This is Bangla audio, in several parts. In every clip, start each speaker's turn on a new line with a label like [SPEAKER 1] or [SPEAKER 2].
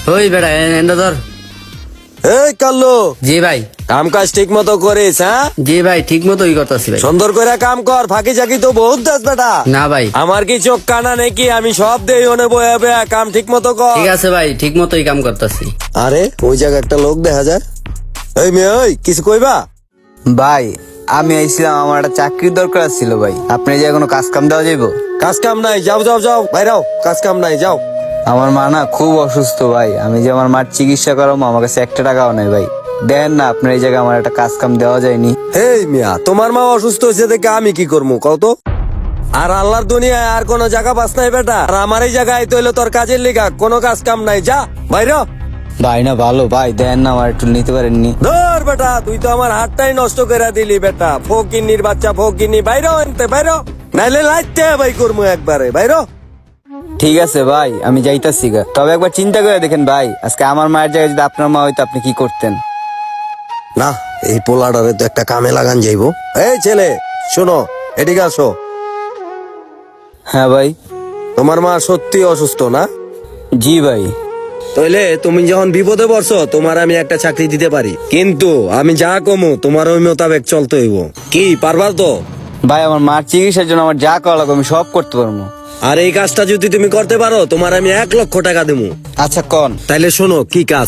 [SPEAKER 1] ওই বেটা এন্ডা ধর।
[SPEAKER 2] এই কাল্লু,
[SPEAKER 1] জি ভাই।
[SPEAKER 2] কাম কাজ ঠিক মতো করিস? হ্যাঁ
[SPEAKER 1] জি ভাই, ঠিক মতোই করতেছি ভাই।
[SPEAKER 2] সুন্দর করে কাম কর, ফাঁকি চাকি তো বহুত দাস বেটা।
[SPEAKER 1] না ভাই।
[SPEAKER 2] আমার কি চোখ কানা নাকি? আমি সব দেই ওনে বয়ে বয়ে, কাম ঠিক মতো কর।
[SPEAKER 1] ঠিক আছে ভাই, ঠিক মতোই কাম করতেছি।
[SPEAKER 2] আরে ওই জায়গায় একটা লোক দেখা যায়। এই মেয়ে, ওই কিছু কইবা?
[SPEAKER 3] ভাই আমি আইছিলাম, আমার একটা চাকরির দরকার ছিল ভাই। আপনি যে কোনো কাজ কাম দেওয়া যাইব?
[SPEAKER 2] কাজ কাম নাই, যাও যাও যাও বাইরাও, কাজ কাম নাই, যাও।
[SPEAKER 3] আমার মা না খুব অসুস্থ ভাই, আমি যে আমার মার চিকিৎসা করাবো, আমার কাছে একটা টাকাও নাই ভাই। দেন না আপনার এই জায়গায় আমার একটা কাজ কাম দেওয়া যায়নি?
[SPEAKER 2] এই মিয়া, তোমার মা অসুস্থ হয়েছে দেখে আমি কি করবো কত? আর আল্লাহর দুনিয়ায় আর কোনো জায়গা পাস নাই বেটা। আর আমার এই জায়গায় তো হইলো তোর কাজের লিগা, কোনো কাজ কাম নাই, যা বাইরে।
[SPEAKER 3] ভাই না ভালো ভাই, দেন না আমার একটু নিতে পারেননি?
[SPEAKER 2] ধর বেটা, তুই তো আমার হাতটাই নষ্ট করে দিলি বেটা। ফকিন্নির বাচ্চা, ফকিন্নি, বাইরে আনতে বাইরে, নাইলে লাইতে ভাই করবো একবারে, বাইরে।
[SPEAKER 3] ঠিক আছে ভাই, আমি যাইতাছি গা। তবে একবার চিন্তা করে দেখেন ভাই, আজকে আমার মায়ের জায়গায় যদি আপনার মা হইতো আপনি কি করতেন?
[SPEAKER 2] না, এই পোলাটারে তো একটা কামে লাগান যাইবো। এই ছেলে শোনো, এদিকে আসো।
[SPEAKER 3] হ্যাঁ ভাই।
[SPEAKER 2] তোমার মা সত্যি অসুস্থ না?
[SPEAKER 3] জি ভাই।
[SPEAKER 2] তাইলে তুমি যখন বিপদে পড়ছো, তোমার আমি একটা চাকরি দিতে পারি, কিন্তু আমি যা কমু তোমার ওই মোতাবেক চলতে হইব। কি পারবা তো?
[SPEAKER 3] ভাই আমার মার চিকিৎসার জন্য আমার যা করা লাগবে আমি সব করতে পারবো।
[SPEAKER 2] আর এই কাজটা যদি তুমি করতে পারো, তোমার আমি 1,00,000 টাকা দেবো।
[SPEAKER 3] আচ্ছা কন।
[SPEAKER 2] তাইলে শোনো, কি কাজ?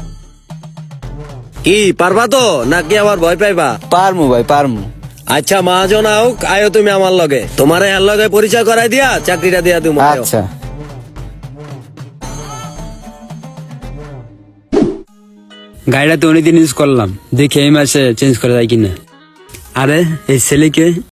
[SPEAKER 2] কি পারবা তো, নাকি আবার ভয় পাইবা?
[SPEAKER 3] পারমু ভাই পারমু।
[SPEAKER 2] আচ্ছা মহাজন হোক, আয়ো তুমি আমার লগে, তোমার এর লগে পরিচয় করাই দিয়া চাকরিটা দিয়া তুমি।
[SPEAKER 3] আচ্ছা।
[SPEAKER 4] গাড়িটা তো অনেকদিন ইউজ করলাম, দেখি এই মাসে চেঞ্জ করা যায় কিনা। আরে এই ছেলেকে